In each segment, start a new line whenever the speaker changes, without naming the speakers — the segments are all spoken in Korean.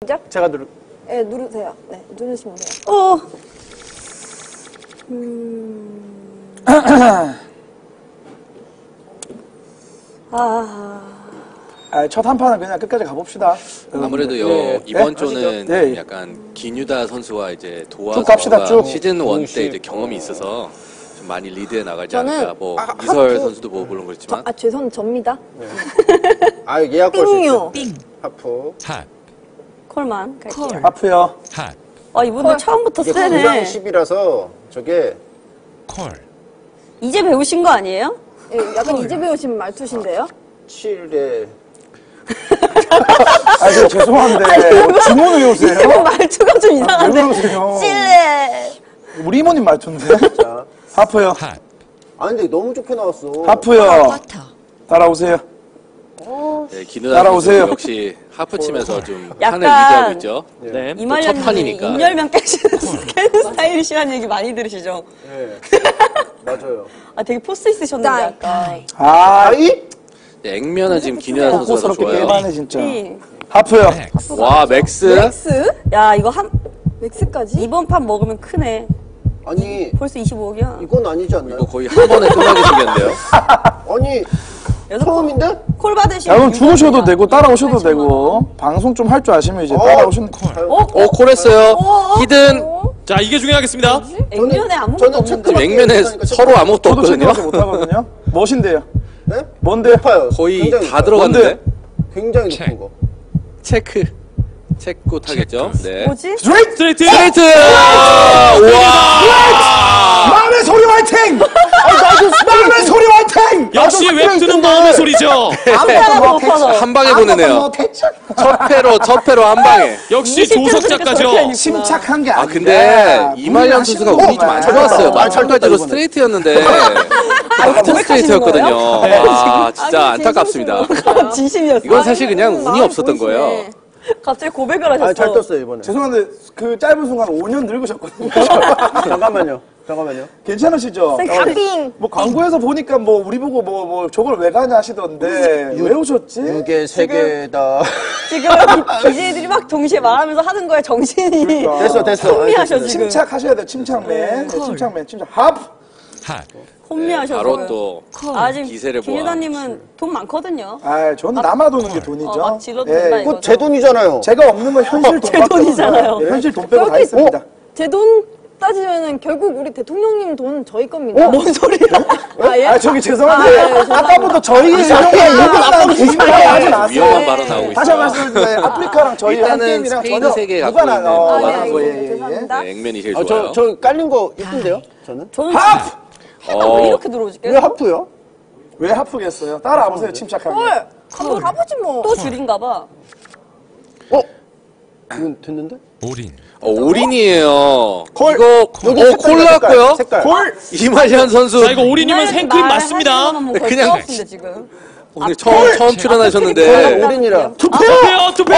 시작?
제가 누르.
네, 누르세요. 네, 누르시면 돼요.
첫 한 판은 그냥 끝까지 가봅시다.
아무래도 이번 조는 약간 기뉴다 선수와 이제 도화
갑시다,
선수가 시즌 1 때 이제 경험이 있어서 좀 많이 리드해 나가지 않을까. 뭐 이설 선수도 뭐 물론 그렇지만.
죄송 접니다.
예약 걸 수 있어요.
띵요.
하프.
핫.
콜만 갈게요.
하프요.
핫.
이분들 처음부터
이게
세네.
9랑 10이라서 저게
콜.
이제 배우신 거 아니에요? 예, 약간 이제 배우신 말투신데요?
7에
저 죄송한데 주문을 외우세요?
이거 말투가 좀
왜
이상한데.
그러세요?
찔레.
우리 이모님 말투인데?
자.
하프요.
핫.
근데 너무 좋게 나왔어.
하프요. 따라오세요.
네, 기뉴다
따라오세요.
선수 역시 하프 치면서 좀
약간
판을 리드하고 있죠.
네.
이말년이
첫 판이니까.
인열명 깨시는 스타일이시라는 얘기 많이 들으시죠?
네. 맞아요.
되게 포스 있으셨는데 아까.
아이?
네, 액면은 지금 기뉴다 선수가 더
뽀뽀스럽게
좋아요.
빼바네 진짜.
네.
하프요.
와 맥스.
맥스? 야 이거 맥스까지? 이번 판 먹으면 크네.
아니
벌써 25억이야.
이건 아니지 않나요?
이거 거의 한 번에 끝나게 생겼는데요.
아니 처음인데?
콜 받으시면.
그럼 주무셔도 되고 따라오셔도 되고 방송 좀 할 줄 아시면 이제 따라오시는.
콜했어요. 히든.
자, 이게 중요하겠습니다.
액면에 아무것도 없는데.
지금 액면에 서로 아무것도
저도
없거든요.
체크밖에 못하거든요. 무엇인데요?
네?
뭔데요?
높아요.
거의
굉장히
다
높아요.
들어갔는데.
굉장히 높은 거.
체크. 체크 타겠죠. 네.
뭐지?
스트레이트.
스트레이트! 와!
마음의 소리 화이팅! 마음의 소리 화이팅!
역시 웹툰은 마음의 소리죠.
아무데나 못 파서.
한 방에 보내네요. 첫 패로 한 방에.
역시 조석 작가죠.
침착한 게
아,
아니라.
근데 이말년 선수가 운이 좀 안 좋았어요. 마찬가지로 스트레이트였는데. 같은 스트레이트였거든요. 아, 진짜 안타깝습니다.
진심이었어.
이건 사실 그냥 운이 없었던 거예요.
갑자기 고백을 하셨어.
잘 떴어요 이번에.
죄송한데 그 짧은 순간 5년 늙으셨거든요.
잠깐만요.
괜찮으시죠?
빙.
뭐 광고에서 보니까 뭐 우리 보고 뭐 저걸 왜 가냐 하시던데 왜 오셨지?
6개 3개다.
지금 BJ들이 막 동시에 말하면서 하는 거에 정신이.
그러니까.
됐어.
혼미하셔 지금.
침착하셔야 돼요. 침착맨. 침착. 합.
핫.
혼미하셔.
바로 또
지금
기세를 보아.
김유다님은 돈 많거든요.
저는 남아도는 게 돈이죠.
막 질러도 된다 이거.
그거 제 돈이잖아요.
제가 없는 건 현실 돈.
제 돈이잖아요.
현실 돈 빼고 다 있습니다.
제 돈 따지면은 결국 우리 대통령님 돈 저희 겁니다. 뭔 소리야?
저기 죄송한데 아까부터 저희
위험한 발언 나오고 있어요.
다시 한 번 말씀드려요. 아프리카랑 저희 한
일단은
게임이랑
스페인
전혀
세계 갖고
무관한
있는
거예요.
죄송합니다.
네, 액면이 제일 좋아요.
저 깔린 거 이쁜데요? 저는?
저는 왜 이렇게 들어오지?
왜 하프요?
왜 하프겠어요? 따라와 보세요. 침착하게.
한번 가보지 뭐. 또 줄인가 봐.
이건 됐는데?
올인.
올인이에요.
콜.
이거 콜 나왔고요.
색깔.
콜. 이말년 선수.
자, 이거 올인이면 생크림 맞습니다.
그냥
지금.
오늘 처음 출연하셨는데.
올인이라.
투페어.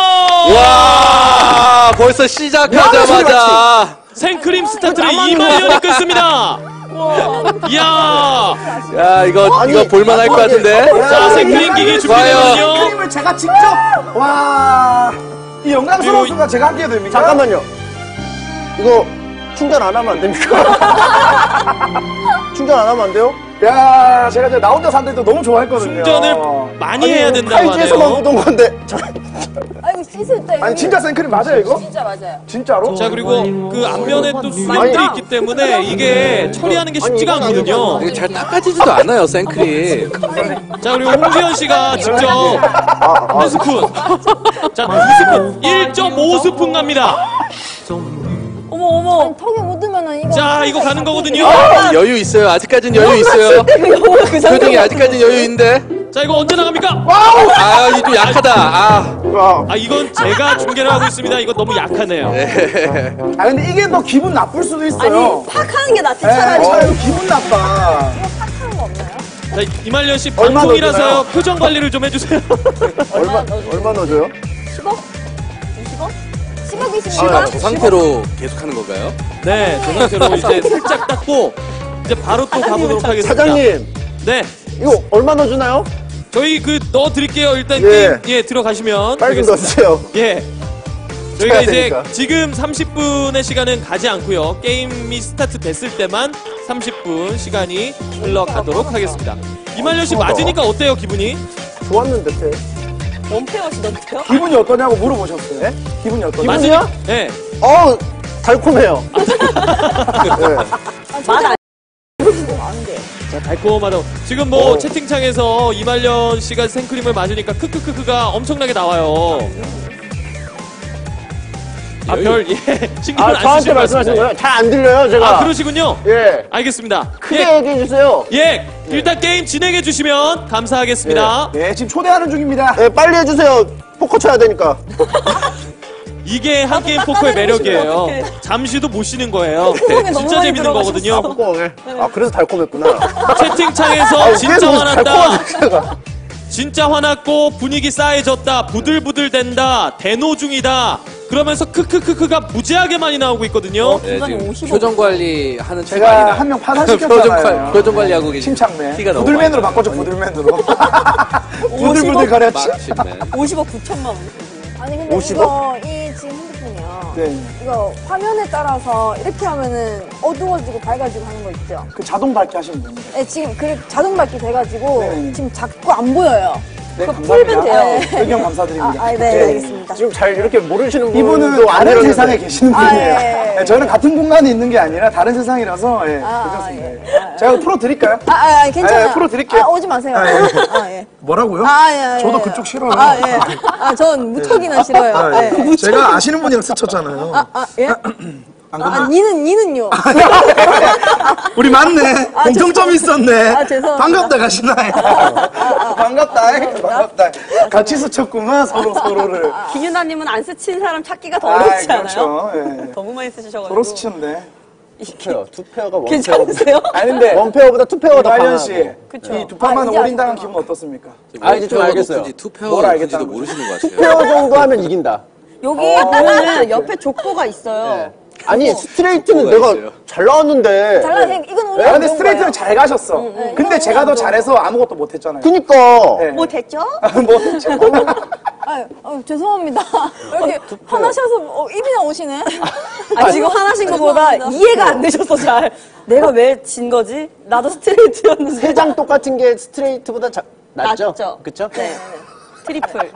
와 벌써 시작하자마자
생크림 스타트를 이말년이 끊습니다. 이야.
야 이거 볼만할 것 같은데.
자, 생크림 기기 준비되거든요.
크림을 제가 직접 이 영광스러운 순간 제가 함께 해도 됩니까?
잠깐만요. 이거 충전 안 하면 안 됩니까? 충전 안 하면 안 돼요?
야, 제가 이제 나 혼자 산데도 너무 좋아했거든요.
충전을 많이 해야 된다고
팔찌에서만
하네요.
묻은 건데.
아이고 씻을 때.
아니 진짜 생크림 맞아요 이거?
진짜 맞아요.
진짜로?
자, 그리고 그 앞면에 또 수염들이 있기 때문에 이게 처리하는 게 쉽지가 않거든요.
이게 잘 닦아지지도 않아요 생크림.
자, 그리고 홍지연 씨가 직접 한 스푼. 자, 2스푼. 1.5스푼 갑니다.
어머. 턱에 묻으면은 이거.
자, 이거 가는 거거든요.
여유 있어요. 아직까진 여유 있어요. 표정이 아직까진 여유 있는데.
자, 이거 언제 나갑니까?
아 이거 좀 약하다.
아, 이건 제가 중계를 하고 있습니다. 이거 너무 약하네요.
근데 이게 더 기분 나쁠 수도 있어요.
아니 팍 하는 게 낫지
네,
차라리.
차라리 기분 나빠.
팍하는 거 없나요?
자, 이말년 씨
얼마
방송이라서요.
넣어주나요?
표정 관리를 좀 해주세요.
얼마 넣어줘요?
10억? 20억? 10억 20억?
저 상태로 계속하는 건가요?
네, 저 상태로 이제 살짝 닦고 이제 바로 또 가보도록 하겠습니다.
사장님,
네,
이거 얼마 넣어주나요?
저희 그 넣어드릴게요. 일단
예.
게임 들어가시면
빨리 좀
되겠습니다.
넣어주세요.
예. 저희가 이제
되니까.
지금 30분의 시간은 가지 않고요. 게임이 스타트 됐을 때만 30분 시간이 흘러가도록 하겠습니다. 이말년 씨 맞으니까 어때요, 기분이?
좋았는데, 때.
원페어 하시던데요?
기분이 어떠냐고 물어보셨어요. 네? 기분이 어떠냐고.
기분이요?
네.
달콤해요. 네.
맛
자, 달콤하다고. 지금 뭐 채팅창에서 이말년 씨가 생크림을 맞으니까 크크크크가 엄청나게 나와요. 아, 별, 예. 신경을 안
저한테
쓰실
말씀하신
말씀이세요.
거예요? 잘 안 들려요, 제가.
아, 그러시군요.
예.
알겠습니다.
크게 얘기해주세요.
예, 일단 게임 진행해 주시면 감사하겠습니다.
네, 지금 초대하는 중입니다.
예, 빨리 해주세요. 포커 쳐야 되니까.
이게 한 게임 포커의 매력이에요. 잠시도 못 쉬는 거예요.
너무
진짜
많이
재밌는 거거든요.
포커, 예. 아, 그래서 달콤했구나.
채팅창에서 진짜
계속
화났다.
달콤하네, 제가.
진짜 화났고 분위기 싸해졌다. 부들부들 된다. 대노 중이다. 그러면서 크크크크가 무지하게 많이 나오고 있거든요.
네, 지금
55.
표정 관리 하는 책
제가
많이 나.
한 명 파산시켰잖아요.
표정 관리하고 계신
침착맨.
티가 너무
부들맨으로
많이
바꿔줘, 부들맨으로. 부들부들 가렸지.
막심맨.
50억 9천만 원.
아니 근데
50억?
이거 이 지금 핸드폰이요.
네.
이거 화면에 따라서 이렇게 하면은 어두워지고 밝아지고 하는 거 있죠.
그 자동 밝기 하시면 됩니다.
네, 지금 그 자동 밝기 돼가지고
네.
지금 작고 안 보여요.
네,
그거
감사합니다.
풀면 돼요.
의견 감사드립니다.
네, 알겠습니다.
지금 잘 이렇게 모르시는 분도
이분은 다른
아니라는데.
세상에 계시는
아,
분이에요.
예.
네, 저는 같은 공간에 있는 게 아니라 다른 세상이라서 예,
아,
괜찮습니다.
예.
예. 제가 풀어 드릴까요?
괜찮아요.
아, 풀어드릴게요.
오지 마세요. 예.
뭐라고요?
예.
저도 그쪽 싫어요.
예. 전 무턱이나 싫어요.
아, 예.
예.
제가 아시는 분이랑 스쳤잖아요.
예? 니는요?
우리 맞네. 공통점이 있었네.
죄송합니다.
반갑다 가시나요? 반갑다. 같이 스쳤구만 서로를.
김윤아님은 안 스친 사람 찾기가 더 어렵지 않아요?
그렇죠. 예.
너무 많이 쓰셔가지고.
서로 스치는데.
투페어가 원페어.
괜찮으세요?
아니 근데
원페어보다 투페어가 더
이말년 씨,
강하고.
그쵸.
이 두 판만
이제
올인당한
알겠구나.
기분 어떻습니까?
아, 이제 좀 알겠어요.
높은지 투표가
뭘
높은지도
알겠다는
모르시는 것 같아요.
투페어 정도 하면 이긴다.
여기 보면은 옆에 족보가 있어요.
아니, 스트레이트는
뭐가
내가
있어요?
잘 나왔는데.
이건 우리
아, 근데 스트레이트는 잘 가셨어. 근데 제가 더 잘해서 아무것도 못했잖아요.
그니까.
네.
뭐 됐죠?
뭐 했죠?
죄송합니다. 이렇게 화나셔서 입이 나오시네.
지금 화나신 것보다 이해가 안 되셔서 잘. 내가 왜 진 거지? 나도 스트레이트였는데.
세 장 똑같은 게 스트레이트보다 낫죠?
낫죠.
그쵸?
네. 트리플.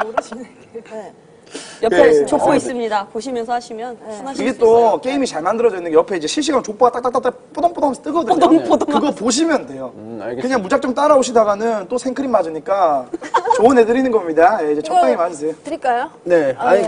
옆에
네.
족보 있습니다. 보시면서 하시면 하나씩
이게 또 게임이 잘 만들어져 있는 게 옆에 이제 실시간 족보가 딱딱딱딱 뽀동뽀동 하면서 뜨거든요. 그거 보시면 돼요.
알겠습니다.
그냥 무작정 따라오시다가는 또 생크림 맞으니까 좋은 애 드리는 겁니다. 예, 이제 적당히 맞으세요.
드릴까요?
네. 아니,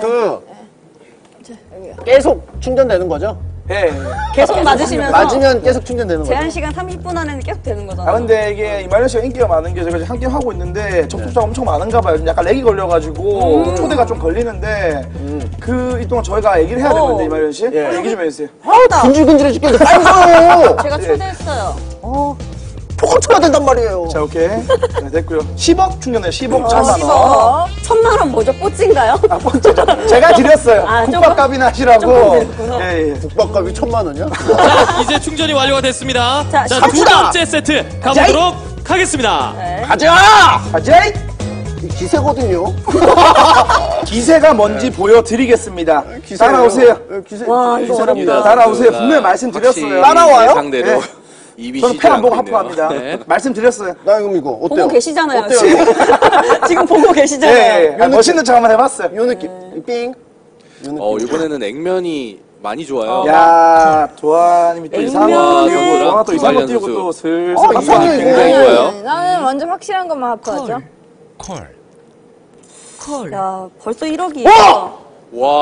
계속 충전되는 거죠?
예.
계속 맞으시면서
맞으면 계속 충전되는 거죠?
제한 시간 30분 안에는 계속 되는
아
거잖아요.
근데 이게 이말년 씨가 인기가 많은 게 제가 지금 한 게임 하고 있는데 접속자가 엄청 많은가 봐요. 약간 렉이 걸려가지고 초대가 좀 걸리는데 그 이 동안 저희가 얘기를 해야 되는데 이말년 씨 얘기 좀 해주세요.
근질근질해 죽겠는데 빨리 가요!
제가 초대했어요.
포커 쳐야 된단 말이에요.
자 오케이 네, 됐고요. 10억 충전해요. 10억
1000만 원 뭐죠? 뽀찌인가요?
아 번째죠. 제가 드렸어요. 국밥값이나 하시라고.
조금 드렸구나.
예, 예.
국밥값이 1000만 원이야?
자, 이제 충전이 완료가 됐습니다.
자,
자, 두
갑시다!
번째 세트 가보도록 하겠습니다.
가자!
가자이!
이 기세거든요.
기세가 뭔지 보여드리겠습니다.
기세예요.
따라오세요.
기세.
와, 이거
기세랍니다. 따라오세요. 분명히 말씀드렸어요.
따라와요?
상대로
네.
입이
저는
쉬지
펜 안 보고
않고 있네요.
하프합니다.
네.
말씀드렸어요.
나 그럼 이거 어때요?
보고 계시잖아요.
어때요?
지금 보고
예,
계시잖아요.
예. 멋있는 척 한번 해봤어요.
요 느낌. 삥.
이번에는 액면이 많이 좋아요.
야, 도아님이 또 이상한 거
액면을
띄우고, 도아가 또 이상한 거
이말년
띄우고
선수.
또 슬슬.
이상해요,
굉장히
이거.
좋아요.
나는 완전 확실한 것만 하프하죠.
야, 벌써 1억이에요.
와,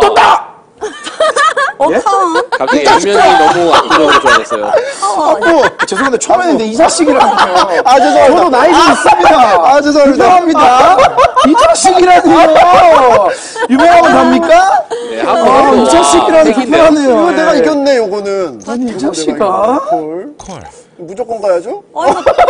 예?
갑자기 액면이 너무 압도적으로 좋아졌어요.
죄송한데 처음에는 근데 이자식이라고요.
아, 죄송합니다.
저도 나이 좀 있습니다.
아, 죄송합니다.
죄송합니다. 이자식이라니요. 유명하면 답니까?
네,
아,
한번
이자식이라니 불편하네요.
이거
예.
내가 이겼네, 요거는.
아니, 이자식아.
콜. 무조건 가야죠?
와,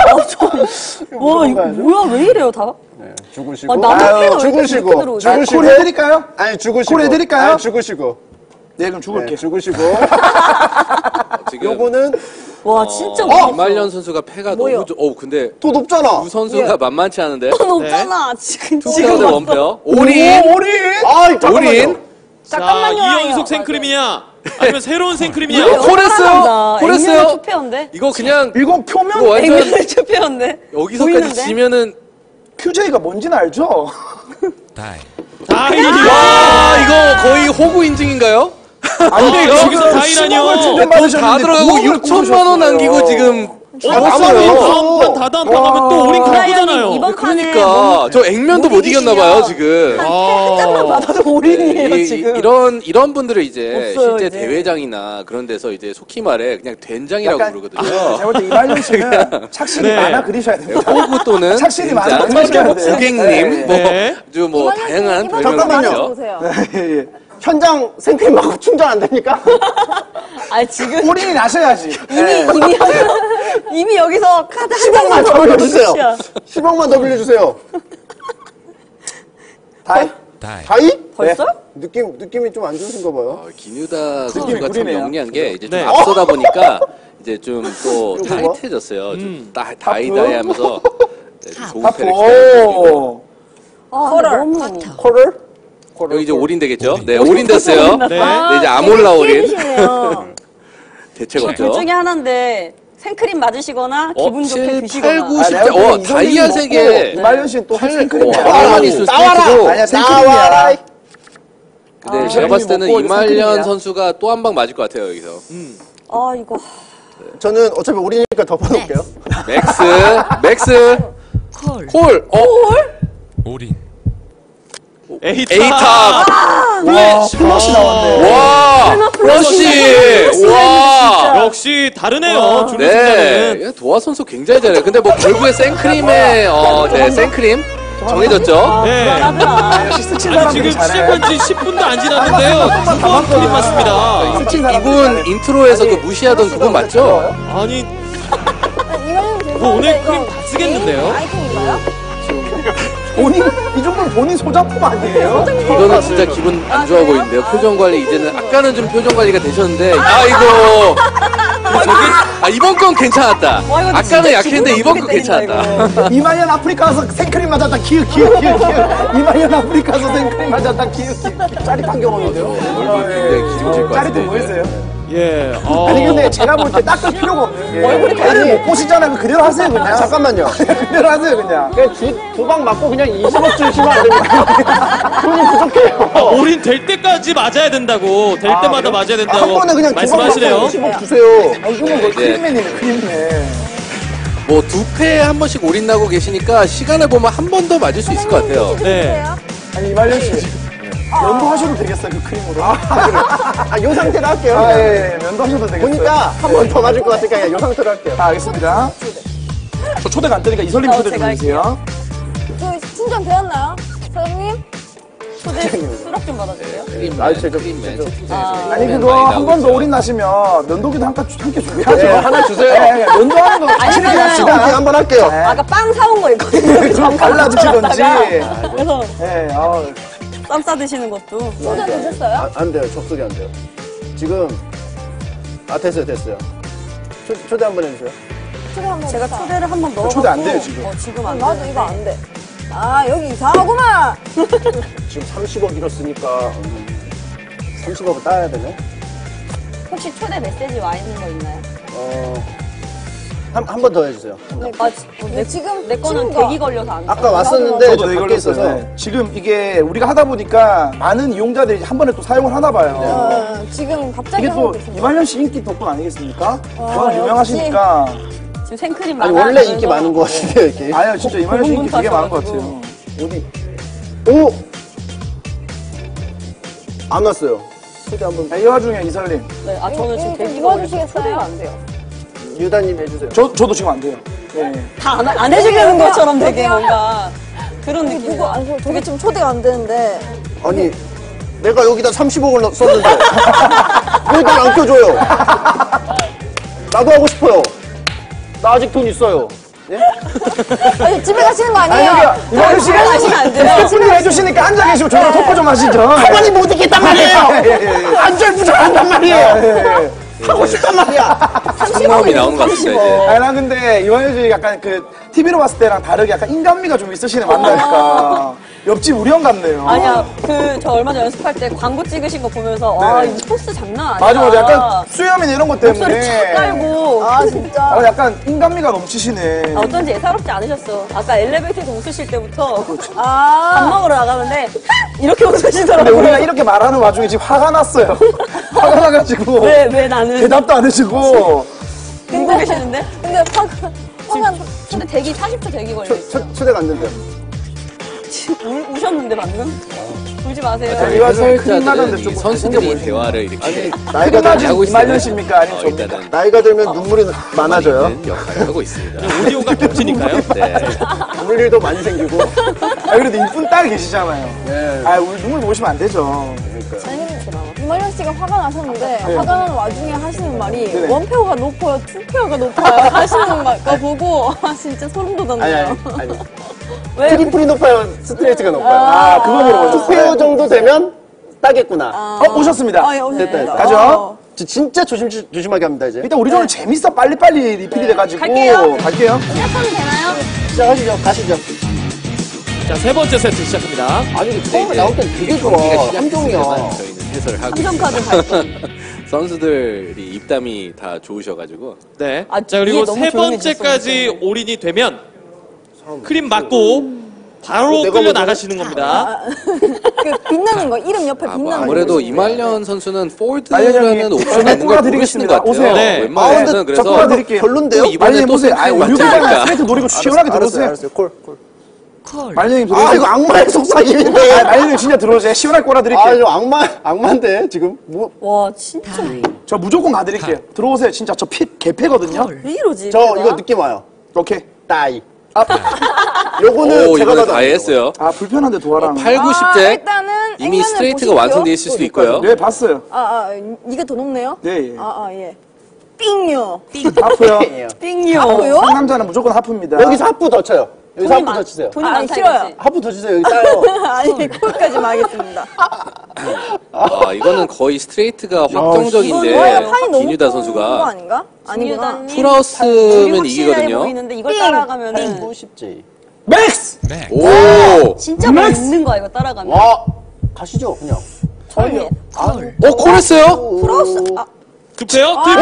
이거 뭐야? 왜 이래요, 다?
네, 죽으시고.
아, 나도
아유,
패가 왜 이렇게
죽으시고.
늦게 들어오지?
죽으시고.
콜 해드릴까요?
아니, 죽으시고.
콜 해드릴까요?
아니, 죽으시고.
네, 그럼 죽을게.
네, 죽으시고.
지금
요거는
와, 진짜
이말년 선수가 패가
뭐요?
너무 근데
더 높잖아.
두 선수가 만만치 않은데.
높잖아. 지금
투페어 대
봤어.
원페어.
올인!
올인!
올인!
아, 잠깐만요.
올인?
잠깐만요.
이연속 생크림이냐? 아니면 새로운 생크림이냐?
이거 콜했어요? 콜했어요?
투표인데?
이거 그냥
이거 표면
이거 완전
액면의 투표인데?
여기서까지
보이는데?
지면은
QJ가 뭔지는 알죠?
아,
와 이거 거의 호구 인증인가요?
아니
여기서 다이라뇨.
다 들어가고 6천만 원 남기고 지금
다음 판 다다음 또 우린 가보잖아요.
이번 판에
그러니까 저 액면도 못 이겼나봐요 지금.
한 장만 받아도 올인이에요 지금.
이런 분들을 이제
없어요,
실제
이제.
대회장이나 그런 데서 이제 속히 말해 그냥 된장이라고 부르거든요.
제가 볼 때 이말년 씨는 착실히
네.
많아 그리셔야 됩니다.
호구 또는
착실히
된장,
많아 그리셔야 돼요.
고객님,
네.
아주 뭐 다양한
잠깐만요.
별명이죠.
보세요.
예, 예.
현장 생크림 맞고 충전 안 됩니까?
아 지금
올인이 나셔야지. 예.
이미 여기서 카드 한
10억만
장만
더 올려주세요.
끝이야.
10억만 더 빌려주세요.
다이?
다이?
벌써?
느낌이 좀 안 좋으신가 봐요.
기뉴다 선수가 참
구리네요.
영리한 게 이제 좀
네.
앞서다 보니까 이제 좀 또
이거 봐.
타이트해졌어요. 좀 다이다이 하면서 네, 좀 좋은 패를
오.
컬을.
콜을?
여기 이제 올인 되겠죠? 네, 올인 됐어요.
네.
네, 이제 아몰라 올인.
피해주시네요.
대책
둘
없죠.
중에 하나인데 생크림 맞으시거나 기분 좋게
7,
드시거나.
8, 9, 10.
내가 볼때 이선생님
다이아
먹고
3개.
이말년 씨는 또
8,
생크림이야.
가만히 있을
나와라!
스테이트고.
아니야 생크림이야.
근데 제가 봤을 때는
먹고
이말년
생크림이야.
선수가 또 한 방 맞을 것 같아요, 여기서.
아 이거
저는 어차피 올이니까 덮어놓을게요.
맥스. 콜. A탑.
플러시 나왔네.
와. 러시. 와.
역시 다르네요. 준우
네.
승자는.
야, 도화 선수 굉장히 잘해요. 근데 뭐 결국에 생크림의 생크림 정해졌죠.
네.
역시 스친
아니
사람들이
지금
잘해.
시작한 지 10분도 안 지났는데요. 두 번 크림 맞습니다.
스친 사람들이
이분
잘해.
인트로에서 그 무시하던 그분 맞죠?
아니
이말년
뭐 오늘 크림 다 쓰겠는데요?
아이템인가요?
본인 이 정도면 본인 소장품 아니에요?
이거는 진짜 기분 안 좋아 보이는데요. 표정 관리 이제는 아까는 좀 표정 관리가 되셨는데 아이고. 이번 건 괜찮았다. 아까는 약했는데 이번 건 괜찮았다.
이말년 아프리카 가서 생크림 맞았다 기웃 이말년 아프리카 가서 생크림 맞았다 기웃 짜릿한 경험인데요.
굉장히 기분질 것
짜릿해
같은데.
보이세요?
예.
아니 근데 제가 볼 때 닦을 필요가 없는 게 얼굴을 못 보시잖아요. 그대로 하세요 그냥.
잠깐만요.
그대로 하세요 그냥.
그냥 두 방 맞고 그냥 20억 주시면 안 됩니까? 돈이 부족해요.
올인 될 때까지 맞아야 된다고. 될 때마다 맞아야
한
된다고
번에 그냥 두 방 맞고
말씀하시네요.
20억 주세요.
이거는 뭐 크림맨이네 크림맨.
뭐 두 패에 한 번씩 올인 나고 계시니까 시간을 보면 한 번 더 맞을 수 있을 것 같아요.
네.
아니 이말년 씨 면도하셔도 되겠어요 그 크림으로.
요 상태로 할게요.
예, 면도하셔도 되겠어요.
보니까 한 번 더 맞을 것 같으니까 그냥 요 상태로 할게요.
알겠습니다. 저 초대가 안 되니까 이설님 초대 좀
제가
해주세요.
저 충전 되었나요? 사장님?
초대 수락 좀 받아주세요.
크림맨.
아니 그거 한 번 더 올인 나시면 면도기도 함께 준비하죠.
네, 하나 주세요.
예, 면도하는 거 확실히
아니면은
합시다.
이렇게 한번 할게요.
아까 빵 사온 거 있거든요.
좀 발라주시던지.
그래서
예,
쌈 싸드시는 것도.
충전 되셨어요?
안 돼요. 접속이 안 돼요. 지금 됐어요. 초대 한번 해주세요.
초대 한번
제가
해볼까요?
초대를 한 번 넣어봤고.
초대 안 돼요, 지금.
지금 안
나도
돼.
이거 안 돼. 아 여기 이상하구만.
지금 30억 잃었으니까 30억을 따야 되네.
혹시 초대 메시지 와 있는 거 있나요?
한 번 더 해주세요.
지금
내 거는
친구가-
대기 걸려서 안 돼.
아까 왔었는데
저도
저
네,
밖에
걸렸어요.
있어서
네. 지금 이게 우리가 하다 보니까 많은 이용자들이 한 번에 또 사용을 하나 봐요.
지금 갑자기
이게 또
하고 있습니다.
이말년 씨 인기 덕분 아니겠습니까? 워낙 유명하시니까.
지금 생크림
아니
많아.
원래 인기 많은 것 같은데요 이렇게.
아니요, 진짜 이말년 씨 인기 되게 많은 것
고분분하셔가지고.
같아요.
어디? 오! 안 왔어요. 초대 한번
이 와중에 이설님.
네, 저는 지금 대기
이거
걸려서
주시겠어요?
초대가 안 돼요.
유다님 해주세요.
저도 지금 안 돼요. 예.
다 안 해주려는 것처럼 되게 뭔가 그런 느낌이.
누구 안 줘? 저게 지금 초대가 안 되는데.
아니 내가 여기다 30억을 썼는데 왜 날 안 껴줘요? 나도 하고 싶어요. 나 아직 돈 있어요. 예?
아니 집에 가시는 거
아니,
아니에요?
여기요. 이말년 씨
하시면 안 돼요.
스태프님 해주시니까 앉아 계시고 저랑 토크 좀 하시죠.
가만히 못 있겠단 말이에요.
예.
안절부절한단 말이에요.
예.
하고 싶단 말이야.
상마음이 나오는 것 같습니다, 이제.
아니, 나 근데 이말년 씨 약간 그 TV로 봤을 때랑 다르게 약간 인간미가 좀 있으시네, 만나니까. 옆집 우리 형 같네요.
아니야, 저 얼마 전에 연습할 때 광고 찍으신 거 보면서, 와, 이 포스 장난 아니다.
맞아. 약간 수염이나 이런 것 때문에.
목소리 착 깔고.
아, 진짜.
약간 인간미가 넘치시네.
어쩐지 예사롭지 않으셨어. 아까 엘리베이터에서 웃으실 때부터 밥
아,
먹으러 나가는데, 이렇게
근데
웃으시더라고요.
우리가 이렇게 말하는 와중에 지금 화가 났어요. 화가 나가지고.
왜 나는.
대답도 안 해주고.
웃고 계시는데?
근데 화가
근데 대기 40초 대기 걸려있어.
초대가 안 된대요.
우셨는데 방금? 울지 마세요.
이 와중에 큰일 나는데
해설자들은
좀
이 선수들이 대화를 이렇게
나이가,
끝나지
하고
이말년
있어요.
씨입니까? 아니면 접니까?
일단은
나이가 들면 눈물이 많아져요.
있는 역할을 하고 있습니다.
오디오가 겹치니까요.
네.
눈물 일도 많이 생기고.
그래도 이쁜 딸 계시잖아요.
네.
우리 눈물 보시면 안 되죠.
이말년 씨가 화가 나셨는데 화가 나는 와중에 하시는 말이
네네.
원페어가 높아요, 투페어가 높아요 하시는 거 보고 진짜 소름 돋았네요.
아니.
왜?
트리플이 높아요, 스트레이트가 높아요.
그거 물어보셨어요.
투페어 정도 되면 따겠구나.
오셨습니다.
예, 오셨습니다.
됐다.
가죠.
진짜 조심하게 합니다, 이제.
일단 우리 조는 재밌어. 빨리빨리 리필이 돼가지고.
갈게요.
갈게요.
시작하면 되나요?
시작하시죠, 가시죠.
자, 세 번째 세트 시작합니다.
아니, 처음에 나올 땐 되게 좋아. 함정이야.
저희는 해설을 하고
삼성카드
있습니다.
발동.
선수들이 입담이 다 좋으셔가지고
네.
아,
자, 그리고
뒤에 너무
세
조용해졌어,
번째까지 올인이 되면 크림 맞고 바로
내가
끌려
먼저
나가시는 겁니다.
그 빛나는 거, 이름 옆에 빛나는 거.
아무래도 이말년 선수는
말년
폴드라는
형님,
옵션이 있는 걸 모르시는 것 같아요.
오세요.
네.
웬만해서는
근데
그래서
저 드릴게요.
별론데요?
또 이번에
말년
또
보세요.
생크림
우유가
맞으니까
스트레이트 노리고 시원하게 들어오세요.
알았어요. 콜.
말년님
아,
들어오세요.
이거 악마의 속삭임인데.
말년님 진짜 들어오세요. 시원하게 꼬라드릴게요.
아, 이거 악마인데, 지금.
와, 진짜.
저 무조건 가드릴게요. 들어오세요. 진짜 저 개패거든요.
왜 이러지?
저 이거 느낌 와요.
오케이.
따이. 요거는
오
제가
이번에
봐도
다
안 돼요.
했어요.
불편한데 도와랑.
8, 90대
일단은
이미
액면을
스트레이트가
보실게요.
완성되어 있을 수도 있고요.
네, 봤어요.
이게 더 높네요?
네, 예.
예. 삥요.
하프요.
띵요.
하고요?
상남자는 무조건 하프입니다.
여기서 하프 더 쳐요. 여기서 하프 더 치세요.
돈이
아니,
많다
싫어요.
이거지.
하프 더 치세요. 여기 따요.
아니, 콜까지만 하겠습니다.
이거는 거의 스트레이트가
이거는
확정적인데
판이 너무
김유다
큰 거
선수가
아닌가? 아니구나.
김유다님
풀하우스면
확실해
이기거든요.
보이는데 이걸
삥.
따라가면은
또 쉽지.
맥스!
오,
진짜 뭐 있는 거야 이거 따라가면.
와, 가시죠, 그냥.
저희
콜했어요?
플러스,
급해요? 트리플!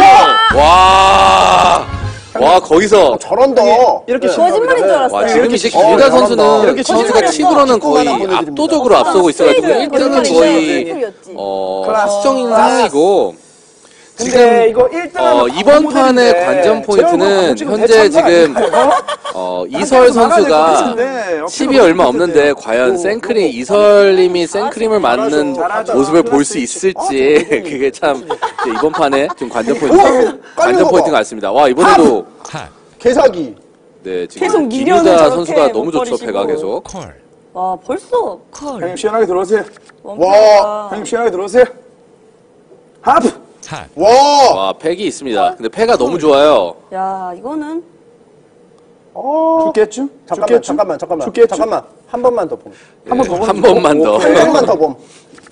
와 거기서
저런다.
이렇게
거짓말인 줄 알았어요.
와 지금 이제
어,
김유다
잘한다.
선수는
이렇게
선수가
거짓말이었어.
치고로는 거의
축구만 보내드립니다.
압도적으로 앞서고 있어가지고
스트레이트
1등은
거짓말이죠.
거의
스트레이트였지.
수정인
클라스.
상황이고
근데
지금
이거 1등
이번 판의 관전 포인트는 현재 지금 이설 선수가 10이 얼마 없는데 과연 생크림 이설님이 생크림을 맞는
잘하죠.
모습을 볼 수 있을지 그게 참 이제 이번 판의 좀 관전 포인트 같습니다. 와 이번에도
개사기.
네 지금
계속 미련을
김유다
저렇게
선수가 너무
못
좋죠.
버리시고.
배가 계속.
와 벌써
형님 시원하게 들어오세요.
원패가
형님 시원하게 들어오세요. 하프!
와.
와 팩이 있습니다. 근데 팩가 너무 좋아요.
야 이거는
죽겠죠?
잠깐만.
죽겠죠?
잠깐만. 한 번만 더 봄.
한 번만 더.
한 번만 더 봄.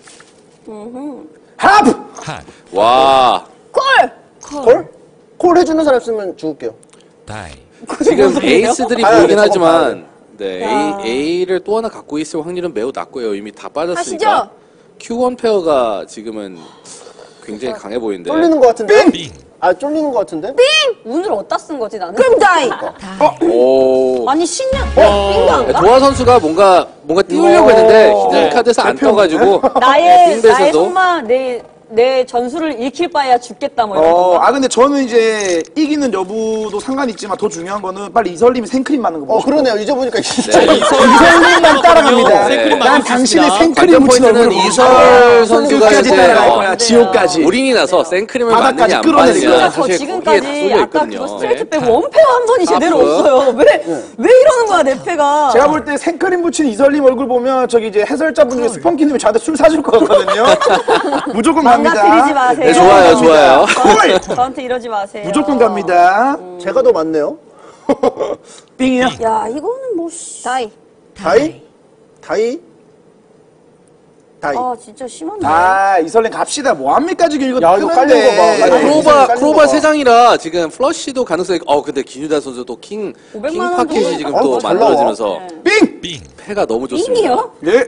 하프!
와
콜? 콜 해주는 사람 있으면 죽을게요.
지금 에이스들이
아니,
보이긴
아니,
하지만 네 A를 또 하나 갖고 있을 확률은 매우 낮고요. 이미 다 빠졌으니까
하시죠.
Q1 페어가 지금은 굉장히 강해 보이는데
쫄리는 것 같은데? 쫄리는 것 같은데?
운을 어디다 쓴 거지 나는?
그럼 다이.
오
아니 신년 빙가인가?
도화 선수가 뭔가 띄우려고 했는데 히든 카드에서 안 떠가지고
나의
빙배에서도
정말 내 전술을 잃힐 바에야 죽겠다 뭐 이런 거.
근데 저는 이제 이기는 여부도 상관이 있지만 더 중요한 거는 빨리 이설님이 생크림 맞는 거 보고
그러네요. 잊어보니까 진짜.
이설님만 따라갑니다.
생크림
난
맞을 수
당신의
있습니다.
생크림
관전
묻힌
포인트는
얼굴을
이설 선수가
끝까지
이제
따라갈 거야. 지옥까지.
올인이 나서 생크림을
바닥까지
맞느냐 안
끌어내니까.
맞느냐
진짜 저
사실 거기에 다
지금까지
쏠려
아까
있거든요.
그거 스트레이트 빼고 원패가 한 번이 제대로
하프.
없어요. 왜 이러는 거야 내 패가?
제가 볼 때 생크림 붙인 이설님 얼굴 보면 저기 이제 해설자분 중에 스펀키님이 저한테 술 사줄 것 같거든요. 무조건
망가뜨리지
갑니다.
마세요.
네, 좋아요.
저한테 이러지 마세요.
무조건 갑니다.
제가 더 많네요.
빙이요.
야, 이거는 뭐, 다이.
다이? 다이? 다이.
아 진짜 심한데.
아 이설린 갑시다. 뭐합니까 지금 이거
야, 이거 깔린 거 봐.
크로바 3장이라 지금 플러시도 가능성이 근데 김유다 선수도 킹
500만 원
파켓이
정도?
지금
어,
또
잘
만들어지면서
빙!
패가 너무 좋습니다.
빙이요?
예.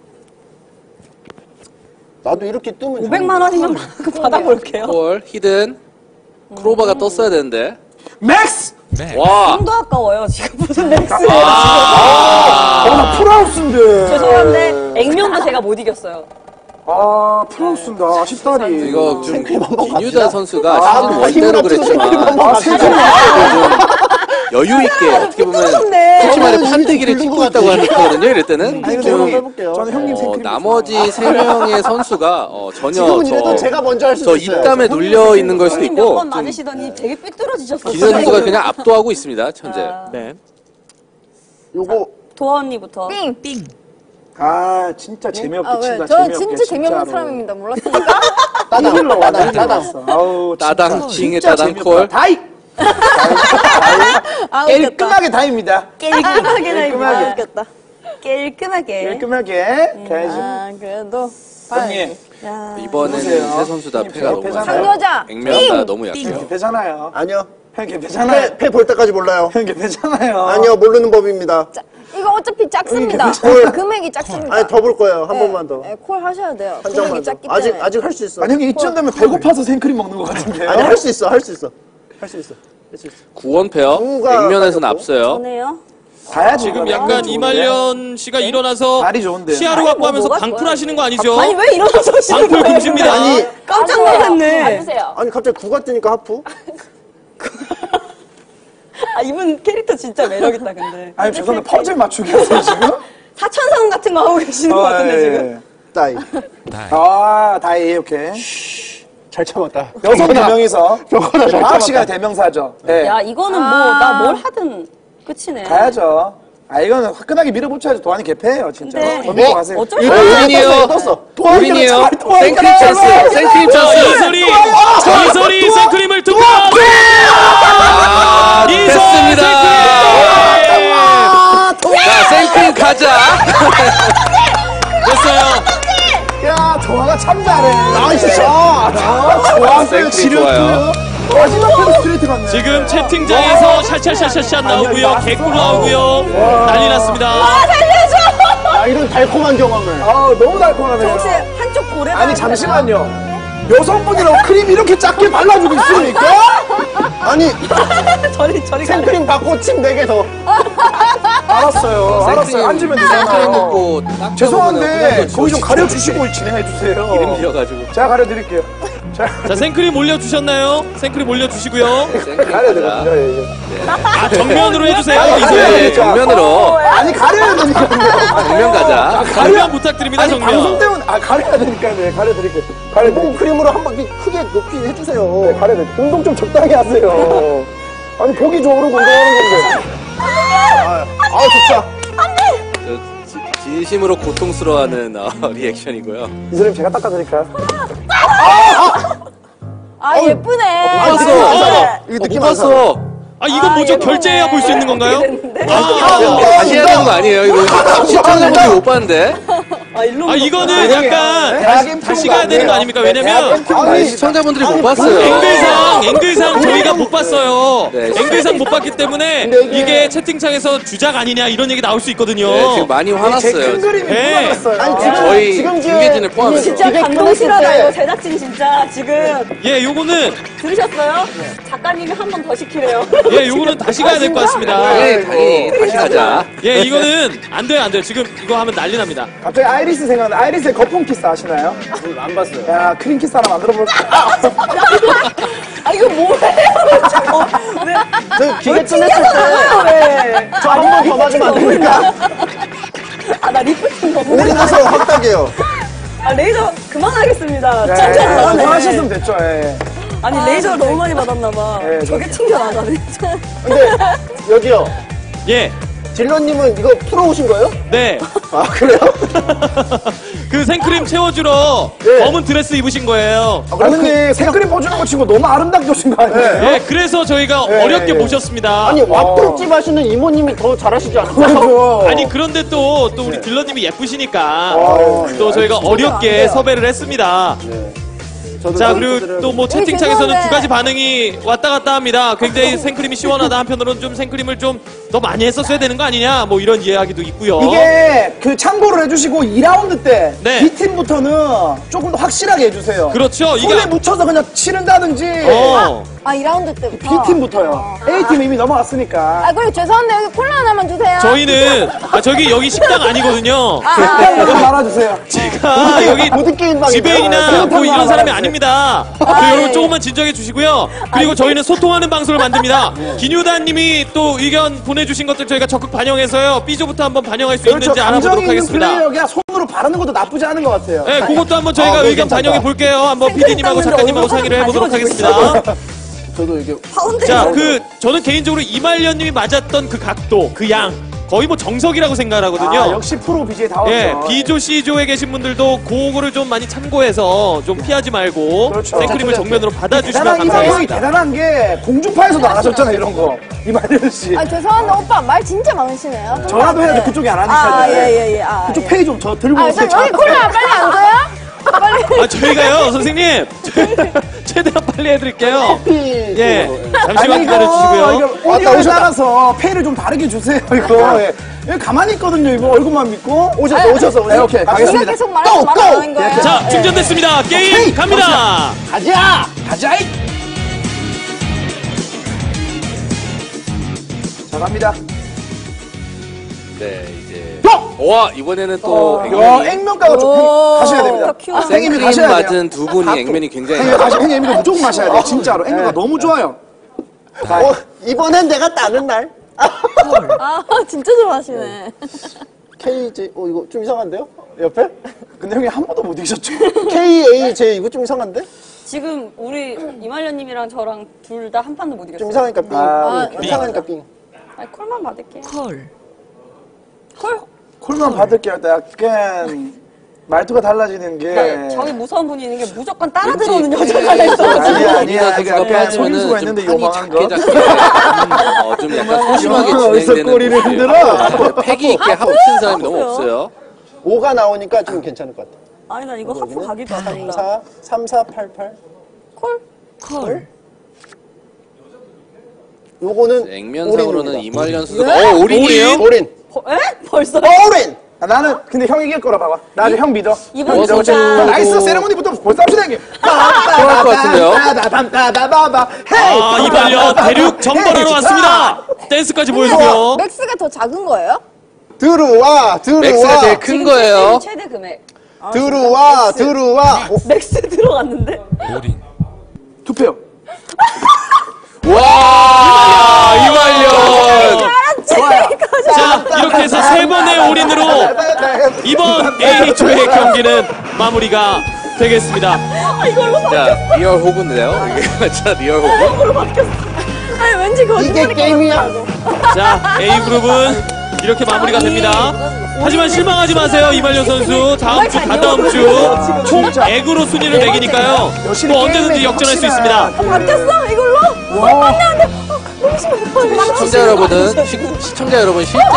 나도 이렇게 뜨면
500만 원이면 받아볼게요.
콜 히든 크로바가 떴어야 되는데
맥스!
와
좀더 아까워요. 지금 무슨 맥스예요.
나 풀하우스인데.
죄송한데 액면도 제가 못 이겼어요.
아 풀하우스인다. 아쉽다니.
이거 좀 김유다
갑시다.
선수가 시즌
힘을
원대로
합쳐서
그랬지만
생크림
세상에.
여유 있게 어떻게 보면
삐뚤어졌네.
솔직히 말해
아,
판때기를
긁은
찍고
것
있다고
같아.
하거든요. 이럴 때는
아니, 근데
좀
형님,
해볼게요.
저는 형님 생크림.
나머지 3명의 선수가 전혀
지금은 이래도 제가 먼저 할 수
저
있어요.
입담에 눌려 있는 걸 수도
형님
있고
몇번 맞으시더니 되게 삐뚤어지셨어요.
김유다 선수가 그냥 압도하고 있습니다. 현재.
네.
요거
도아 언니부터.
아 진짜 재미없게
아, 왜?
친다.
저는
재미없게,
진짜 재미없는
진짜로.
사람입니다. 몰랐으니까.
따당.
아우
따당 징의
진짜
따당
재미없다.
콜.
다이.
아, 웃겼다.
깔끔하게 다이입니다.
깔끔하게
깔끔하게.
웃겼다. 깔끔하게.
깔끔하게 가야지.
아, 그래도.
형님
야.
이번에는
보세요.
세 선수 다 패가 너무
배잖아요.
약해요.
상여자.
액면가 너무 약해요.
개패잖아요.
아니요.
형 개패잖아요.
패 볼 때까지 몰라요.
형 개패잖아요.
아니요, 모르는 법입니다.
자, 이거 어차피 작습니다.
콜.
금액이 작습니다.
아니, 더 볼 거예요. 한 번만 더.
네, 콜 하셔야 돼요.
한
금액이
장만 더.
작기 때문에.
아직 할 수 있어.
아니 형님 이쯤 되면 배고파서 생크림 먹는 것 같은데요.
아니, 할 수 있어. 할 수 있어.
구원 페어
구가
액면에서는
아까웠고.
앞서요.
전에요?
가야지.
지금
이거는.
약간 이말년 씨가 일어나서
발이 좋은데요.
시야로
아니,
갖고
뭐
하면서
뭐가
방풀
좋아요?
하시는 거 아니죠?
아니 왜 일어나서 하시는
방풀
거예요?
금지입니다.
아니,
깜짝 놀랐네.
앉으세요.
아니, 갑자기 구가 뜨니까 하프?
아 이분 캐릭터 진짜 매력있다 근데.
아니 죄송한데 퍼즐 맞추기 하세요 지금?
사천상 같은 거 하고 계시는 것 같은데 지금.
따이.
아 다이 오케이.
잘 참았다.
여성 네 명이서
저거나 잘
아홉 시간 대명사죠. 네.
야 이거는 뭐 나 뭘 하든 끝이네.
가야죠. 아 이거는 화끈하게 밀어붙여야지 도안이 개패예요 진짜.
근데
더 밀고 가세요.
어쩔
이거
수 없어.
우린이에요.
떴어.
우린이에요.
도안이가
생크림 찬스. 생크림 찬스.
이설이 생크림을 두 번!
됐습니다. 자, 생크림 가자.
됐어요.
야 도안아 참 잘해.
나이스 샷!
좋았어요.
생크림
지렸고요.
좋아요.
마지막으로 스트레이트 갔네.
지금 채팅장에서 샤샤샤샤샷 나오고요. 개꿀 나오고요. 난리 났습니다.
아, 이런 달콤한 경험을.
아 너무 달콤하네요.
혹시 한쪽 고래
아니 잠시만요. 여성분이라고 크림 이렇게 작게 발라주고 있습니까?
아니,
저리 가네.
생크림 받고 침 4개 더.
알았어요. 알았어요. 앉으면
생크림
되잖아요.
먹고 딱
죄송한데 거기 좀 가려주시고 진행해 주세요.
이름 지어가지고.
제가 가려드릴게요. 자
자, 생크림 올려주셨나요? 생크림 올려주시고요.
생크림
가려야
가자.
되거든요.
아, 정면으로 해주세요.
아니,
이제.
네, 정면으로.
아니 가려야 되니까요.
정면 가자.
정면 부탁드립니다,
아니 방송
정면.
때문에 가려야 되니까요. 네, 가려드릴게요.
공
가려드릴게요.
크림으로 한 바퀴 크게 높이 해주세요.
네, 가려드릴게요. 운동 좀 적당히 하세요. 아니 보기 좋으라고 운동하는 건데.
아, 좋다.
진심으로 고통스러워하는 리액션이고요.
이 사람 제가 닦아드릴까요?
아, 예쁘네.
못 봤어.
이거
못
느낌 안 사.
봤어.
아, 이건 뭐죠? 결제해야 볼 수 있는 건가요?
다시 해야 되는 거 아니에요? 이거 시청자분들이 못 봤는데.
아 일로.
아, 이거는 약간
대학인
다시
프로가
가야 되는 거
안
아닙니까?
돼요.
왜냐면
대학인 프로가
아니,
아니에요.
시청자분들이 못 봤어요.
앵글상 저희가 못 봤어요.
네,
앵글상 못 봤기 때문에 이게 채팅창에서 주작 아니냐 이런 얘기 나올 수 있거든요.
네, 지금 많이
제
화났어요.
큰 그림이
네.
무너졌어요.
아니,
저희
지금
중계진을 포함해서.
진짜
이게
감동실하다
끝났을 때
이거 제작진 진짜 지금
예, 요거는
들으셨어요? 작가님이 한 번 더 시키래요.
예, 요거는 다시 가야 될 것 같습니다.
네, 당연히 다시 가자.
예, 이거는 안 돼요, 안 돼요. 지금 이거 하면 난리 납니다.
갑자기 아이리스 생각나. 아이리스의 거품 키스 아시나요?
안 봤어요.
야 크림 키스 하나 만들어 볼까?
아 이거 뭐예요? 왜?
저 기계 좀
튕겨나가요 왜?
저 한 번 더 맞으면 안 됩니까?
아나 리프팅 너무.
올인해서 확답이에요.
아 레이저 그만하겠습니다.
네,
짱짱 나가네.
하셨으면 됐죠. 예.
아니 레이저 너무 많이 받았나 봐.
네,
저게 튕겨 나가네.
근데, 여기요.
예,
딜러님은 이거 풀어오신 거예요?
네.
아, 그래요?
그 생크림 채워주러
네.
검은 드레스 입으신 거예요.
아니 생크림 퍼주는 거 치고 너무 아름답게 오신 거 아니에요?
네, 그래서 저희가 어렵게 모셨습니다.
아니, 와플집 하시는 이모님이 더 잘하시지 않을까요?
그렇죠.
아니 그런데 또 우리 딜러님이 예쁘시니까
네.
또 저희가 어렵게 섭외를 했습니다. 자, 그리고 또 뭐 채팅창에서는
죄송한데.
두 가지 반응이 왔다 갔다 합니다. 굉장히 생크림이 시원하다, 한편으로는 좀 생크림을 좀 더 많이 했었어야 되는 거 아니냐, 뭐 이런 이야기도 있고요.
이게 그 참고를 해주시고 2라운드 때
네.
B팀부터는 조금 더 확실하게 해주세요.
그렇죠.
손에
이게
묻혀서 그냥 치른다든지
아, 2라운드 때부터.
B팀부터요. A팀 이미 넘어갔으니까.
아, 그리고 죄송한데 여기 콜라 하나만 주세요.
저희는 여기 식당 아니거든요.
좀 말아주세요.
제가 여기
보드게임방이네요.
지배인이나 뭐 이런 사람이
알아요.
아닙니다.
아,
여러분
예.
조금만 진정해 주시고요. 그리고 저희는 소통하는 방송을 만듭니다. 기뉴다님이 또 의견 보내주신 것들 저희가 적극 반영해서요. B조부터 한번 반영할 수
그렇죠.
있는지
감정
알아보도록
있는
하겠습니다.
플레이어가 손으로 바르는 것도 나쁘지 않은 것 같아요.
네, 그것도 한번 저희가
그거
의견
괜찮다.
반영해 볼게요. 한번 PD님하고 작가님하고 상의를 해보도록 하겠습니다.
저도 이게
자, 저는 개인적으로 이말년님이 맞았던 그 각도, 그 양, 거의 뭐 정석이라고 생각을 하거든요.
아, 역시 프로 BJ 다웠죠.
예, B조, C조에 계신 분들도 그거를 좀 많이 참고해서 좀 피하지 말고
그렇죠.
생크림을 정면으로 받아주시면
대단한 이상형이
감사하겠습니다.
대단한 게 공주파에서도 안 하셨잖아요, 이런 거. 이말년 씨.
아, 죄송한데 오빠 말 진짜 많으시네요. 좀
전화도 해야지
네.
그쪽이 안 하니까.
아, 예. 아,
그쪽
예.
페이 좀 저 들고
아,
오세요.
저 여기 콜라 빨리 안 줘요? 빨리.
아, 저희가요, 선생님, 최대한 빨리 해드릴게요. 예, 잠시만 기다려주시고요.
이거 오디오에 따라서 페이를 좀 다르게 주세요, 이거. 예. 여기 가만히 있거든요, 이거. 얼굴만 믿고.
오셔서.
네, 오케이.
우리가
가겠습니다.
계속 말하는 말하는 거예요.
자, 충전됐습니다. 게임
오케이,
갑니다.
가자! 가자! 자, 갑니다.
네, 이제. 와, 이번에는 또
야,
액면이.
액면가가 좀 하셔야 됩니다. 형님이
생크림
가셔야 돼요.
맞은 두 분이 액면이 굉장히.
형님 이거 무조건 마셔야 돼요, 진짜로. 액면가 너무 좋아요.
이번엔 내가 따는 날.
아, 진짜 좋아하시네.
KJ, 이거 좀 이상한데요? 옆에?
근데 형이 한 번도 못 이기셨죠?
KAJ, 이거 좀 이상한데?
지금 우리 이말년님이랑 저랑 둘 다 한 판도 못 이겼어요.
좀 이상하니까 삥.
아,
이상하니까 삥.
아니, 콜만 받을게.
콜만 받을게 할 때 약간 말투가 달라지는 게.
네, 저기 무서운 분이 있는 게 무조건 따라 들어오는 여자가 있어가지고.
아니야,
우리가 선수가
약간 속임수가
빠지면은
있는데
좀 판이
요망한
작게
거.
작게 좀 약간 소심하게
어디서
진행되는
꼬리를
분들이에요.
흔들어?
패기 있게 하고 치는 사람이 너무 없어요.
5가 나오니까 좀 괜찮을 것 같아.
아니, 나 이거 하프 가기도 하다.
3488.
콜.
요거는
액면상으로는
올인입니다.
이말년 선수가 올인이에요?
올인.
에? 벌써?
올인!
나는 근데 형이 이길 거라 봐봐. 나 아직 형 믿어.
이번
믿어.
진짜.
나이스 세레모니부터 벌써 합시다 형님.
좋아할 것 같은데요?
아, 이말년 대륙 정벌하러 왔습니다. 댄스까지 보여주고요.
맥스가 더 작은 거예요?
들어와.
맥스가 제일 큰 거예요.
최대 금액.
들어와.
맥스 들어갔는데?
투표.
와, 이말년.
자, 이렇게 해서 세 번의 올인으로 이번 A조의 경기는 마무리가 되겠습니다.
자, 리얼 호구인데요. 이게 진짜 리얼 호구.
아니, 왠지 거짓말.
이게 게임이야.
자, A그룹은 이렇게 마무리가 됩니다. 하지만 실망하지 마세요, 이말년 선수. 다음 주, 다다음 주 총 액으로 순위를 매기니까요. 또 언제든지 역전할 수 있습니다.
바뀌었어? 이걸로?
시청자 여러분은 시청자 여러분 실제로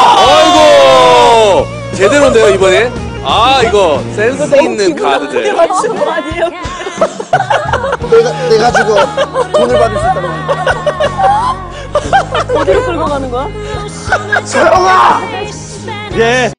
아이고 제대로인데요 이번에. 아 이거 센스 있는 카드들.
맞춘 거 아니에요?
내가 지금 돈을 받을 수 있다고.
어디로 끌고 가는 거야?
서영아!
예,